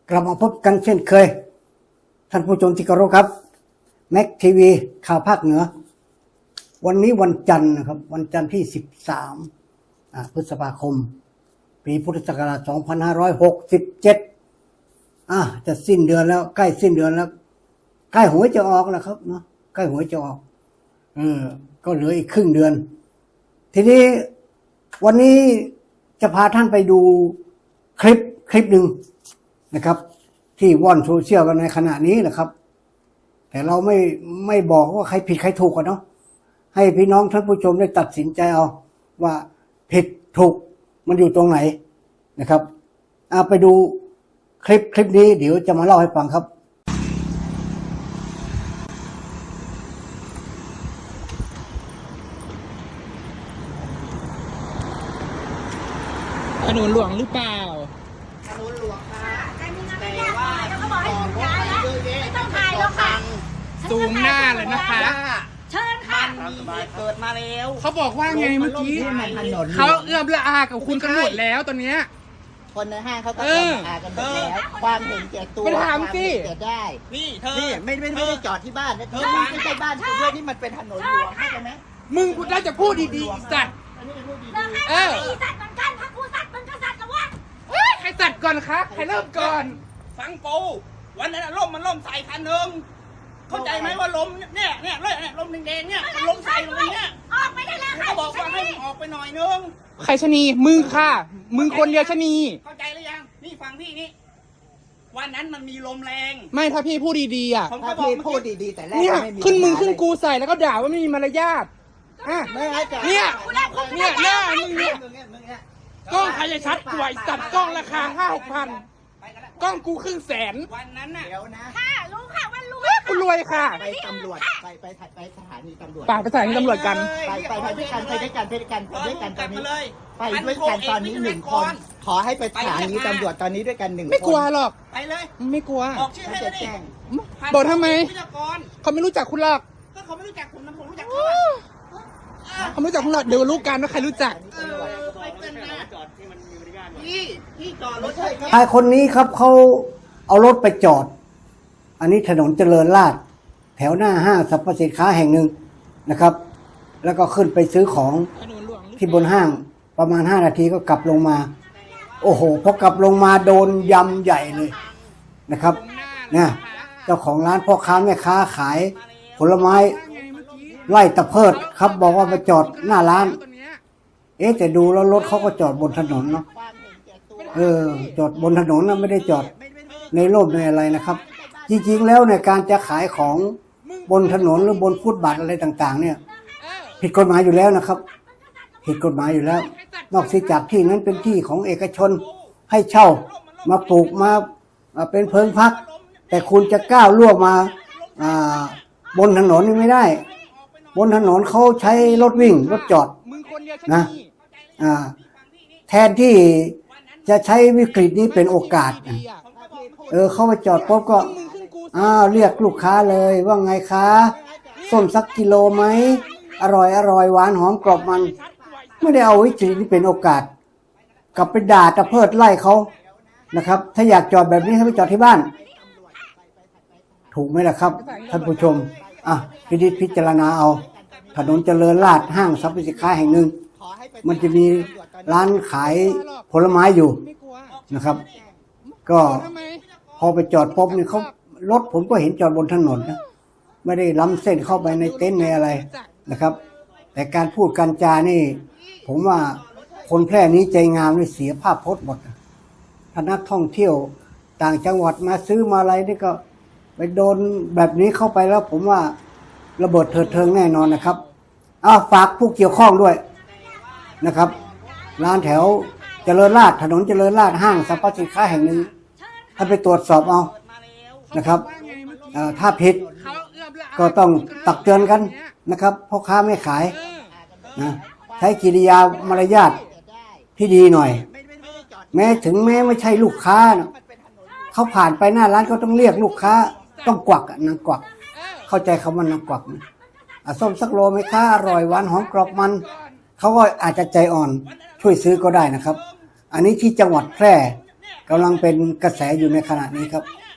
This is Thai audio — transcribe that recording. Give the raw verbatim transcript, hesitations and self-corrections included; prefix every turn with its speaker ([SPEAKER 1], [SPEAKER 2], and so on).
[SPEAKER 1] กลับมาพบกันเช่นเคยท่านผู้ชมที่เคารพครับแม็กทีวีข่าวภาคเหนือวันนี้วันจันทร์นะครับวันจันทร์ที่สิบสามพฤษภาคมปีพุทธศักราชสองพันห้าร้อยหกสิบเจ็ดอ่ะจะสิ้นเดือนแล้วใกล้สิ้นเดือนแล้วใกล้หวยจะออกแล้วครับเนาะใกล้หวยจะออกเออก็เหลืออีกครึ่งเดือนทีนี้วันนี้จะพาท่านไปดูคลิปคลิปหนึ่งนะครับที่ว่อนโซเชียลกันในขณะนี้นะครับแต่เราไม่ไม่บอกว่าใครผิดใครถูกกันเนาะให้พี่น้องท่านผู้ชมได้ตัดสินใจเอาว่าผิดถูกมันอยู่ตรงไหนนะครับเอาไปดูคลิปคลิปนี้เดี๋ยวจะมาเล่าให้ฟังครับ
[SPEAKER 2] ถนนหลวงหรือเปล่า
[SPEAKER 3] ถนนหลวงค่ะแต่ว่าเขาบอกให้หยุดย้ายแล้วไม่ต้องถ่ายแล้วค่ะ
[SPEAKER 2] ซูมหน้าเลยนะคะ
[SPEAKER 3] เชิญค่ะเกิดมาแล้ว
[SPEAKER 2] เขาบอกว่าไงเมื่อกี้เขาเอื้อมละอากับคุณกันหมดแล้วตอนเนี้ย
[SPEAKER 4] คนในห้างเขาก็เอื้อมละอากันหมดแล้วความเห็นแก่ตัวความเห็นแก่ได้
[SPEAKER 3] นี่เธอ
[SPEAKER 4] นี่ไม่ไม่ไม่ได้จอดที่บ้านนะที่ไม่ใช่บ้านคุณด้วยนี่มันเป็นถนนหลวงเข้าใจไหม
[SPEAKER 2] มึงน่าจะพูดดีๆสัตว์
[SPEAKER 3] เออสัตว์เหมือนกันถ้ากูสัตว์มึงก็สัตว์กับว่า
[SPEAKER 2] ใครสัตว์ก่อนคะใครเริ่มก่อน
[SPEAKER 5] ฟังปูวันนั้นล่มมันล่มใส่คันหนึ่งเข้าใจไหมว่าลมเนี่ยเนี่ยเลยเนี่ยลมแดงๆเนี่ยมันลมใส่ลงเนี่ย
[SPEAKER 3] ออกไปได้แล้วค่ะ
[SPEAKER 5] เขาบอกว่าให้ออกไปหน่อยนึง
[SPEAKER 2] ใครชนีมึงค่ะมึงคนเดียวชนี
[SPEAKER 5] เข้าใจหรือยังนี่ฟังพี่นี่วันนั้นมันมีลมแรง
[SPEAKER 2] ไม่ถ้าพี่พูดดีๆอ่ะ
[SPEAKER 4] ถ้าพี่พูดดีๆแต่แรก
[SPEAKER 2] เนี่ยขึ้นมึงขึ้นกูใส่แล้วก็ด่าว่าไม่มีมารยาทอ่ะเนี่ยเนี่ยหน้ามึงเนี่ยกล้องใครจะชัดกว่าจัดกล้องราคาห้าหกพันกล้องกูครึ่งแสน
[SPEAKER 5] วันนั้นน่ะ
[SPEAKER 4] เดี๋ยวนะ
[SPEAKER 3] ค่ะรู้ค่ะวันรู้
[SPEAKER 2] กูรวยค่ะ
[SPEAKER 4] ไปตำรวจไปไปไปสถานีตำรวจ
[SPEAKER 2] ป่าไปสถานีตำรวจกัน
[SPEAKER 4] ไปไปไปด้วยกันไปด้วยกันไปด้วยกันไปด้วยกันตอนนี้ไปด้วยกันตอนนี้หนึ่งคนขอให้ไปสถานีตำรวจตอนนี้ด้วยกันหนึ่งคน
[SPEAKER 2] ไม่กลัวหรอก
[SPEAKER 5] ไปเลย
[SPEAKER 2] ไม่กลัว
[SPEAKER 5] บอกชื่อให้เลยดิ
[SPEAKER 2] บอกทำไมเขาไม่รู้จักคุณหรอก
[SPEAKER 5] ก็เขาไม่รู้จักคุณนะผมรู้จักเขา
[SPEAKER 2] เขาไม่รู้จักคุณหรอกเดี๋ยวรู้กันว่าใครรู้จัก
[SPEAKER 1] ชายคนนี้ครับเขาเอารถไปจอดอันนี้ถนนเจริญราษฎร์แถวหน้าห้างสรรพสินค้าแห่งหนึ่งนะครับแล้วก็ขึ้นไปซื้อของที่บนห้างประมาณห้านาทีก็กลับลงมาโอ้โหพอกลับลงมาโดนยำใหญ่เลยนะครับเนี่ยเจ้าของร้านพ่อค้าแม่ค้าขายผลไม้ไล่ตะเพิดครับบอกว่ามาจอดหน้าร้านเอ๊ะแต่ดูแล้วรถเขาก็จอดบนถนนเนาะเออจอดบนถนนนะไม่ได้จอดในร่มในอะไรนะครับจริงๆแล้วในการจะขายของบนถนนหรือบนฟุตบาทอะไรต่างๆเนี่ยผิดกฎหมายอยู่แล้วนะครับผิดกฎหมายอยู่แล้วนอกจากที่นั้นเป็นที่ของเอกชนให้เช่ามาปลูกมาเป็นเพิงพักแต่คุณจะก้าวล่วงมาบนถนนนี่ไม่ได้บนถนนเขาใช้รถวิ่งรถจอดนะแทนที่จะใช้วิกฤตนี้เป็นโอกาสเออเข้ามาจอดปุ๊บก็อ้าวเรียกลูกค้าเลยว่าไงคะส้มสักกิโลไหมอร่อยอร่อยหวานหอมกรอบมันไม่ได้เอาวิกฤตนี้เป็นโอกาสกลับไปด่าตะเพิดไล่เขานะครับถ้าอยากจอดแบบนี้ให้ไปจอดที่บ้านถูกไหมล่ะครับท่านผู้ชมอ่ะพิจิตพิจารณาเอาถนนเจริญราษฎร์ห้างสรรพสินค้าแห่งหนึ่งมันจะมีร้านขายผลไม้อยู่นะครับก็พอไปจอดปุ๊บนี่เขารถผมก็เห็นจอดบนถนนนะไม่ได้ล้ำเส้นเข้าไปในเต็นท์ในอะไรนะครับแต่การพูดการจานี่ผมว่าคนแพร่นี้ใจงามนี่เสียภาพพจน์หมดถ้านักท่องเที่ยวต่างจังหวัดมาซื้อมาอะไรนี่ก็ไปโดนแบบนี้เข้าไปแล้วผมว่าระเบิดเถิดเทิงแน่นอนนะครับอ้าวฝากผู้เกี่ยวข้องด้วยนะครับร้านแถวเจริญราษฎร์ถนนเจริญราษฎร์ห้างสรรพสินค้าแห่งหนึ่งถ้าไปตรวจสอบเอานะครับถ้าผิดก็ต้องตักเตือนกันนะครับพ่อค้าไม่ขายนะใช้กิริยามารยาทที่ดีหน่อยแม้ถึงแม้ไม่ใช่ลูกค้านะเขาผ่านไปหน้าร้านก็ต้องเรียกลูกค้าต้องกวักนางกวักเข้าใจคำว่านางกวักนะส้มสักโลไหมคะอร่อยหวานหอมกรอบมันเขาก็อาจจะใจอ่อนช่วยซื้อก็ได้นะครับอันนี้ที่จังหวัดแพร่กำลังเป็นกระแสอยู่ในขณะนี้ครับ
[SPEAKER 5] เนี่ย